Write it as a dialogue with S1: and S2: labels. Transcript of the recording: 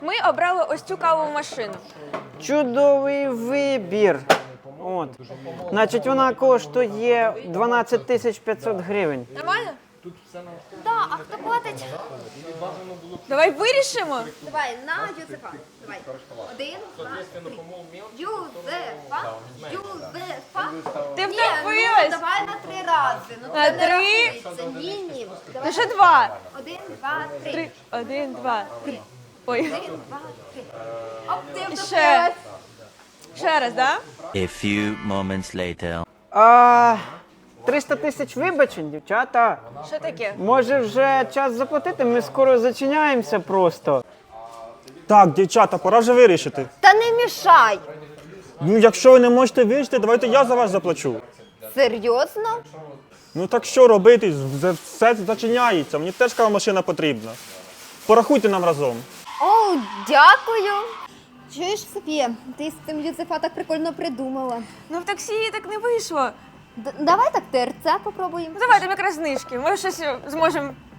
S1: Ми обрали ось цю кавову машину.
S2: Чудовий вибір. От. Значить, вона коштує 12 500 гривень.
S1: Нормально?
S3: Да, а хто платить?
S1: Давай вирішимо.
S3: Давай, на Юзефа. Давай. 1, 2, 3. Юзефа. Юзефа.
S1: Ти
S3: Ні,
S1: втопилась.
S3: ну, давай на 3 рази. Ну,
S1: На
S3: це не
S1: 3?
S3: рахується. Ні.
S1: Ну
S3: Давай.
S1: ще 2.
S3: 1, 2, 3.
S1: 3. 1, 2, 3. Ой.
S3: 1, 2, 3. Оп, ти
S1: Ще.
S3: втопилась.
S1: Ще раз, да?
S4: A few moments later.
S2: 300 тисяч вибачень, дівчата.
S1: Що таке?
S2: Може вже час заплатити? Ми скоро зачиняємося просто.
S5: Так, дівчата, пора вже вирішити.
S3: Та не мішай.
S5: Ну, якщо ви не можете вирішити, давайте я за вас заплачу.
S3: Серйозно?
S5: Ну так що робити? Все зачиняється. Мені теж кава машина потрібна. Порахуйте нам разом.
S3: О, дякую. Чуєш, Софія, ти з цим Юзефа так прикольно придумала.
S1: Ну в таксі так не вийшло.
S3: Давай так ТРЦ попробуємо.
S1: Ну давай, там якраз знижки. Може щось зможемо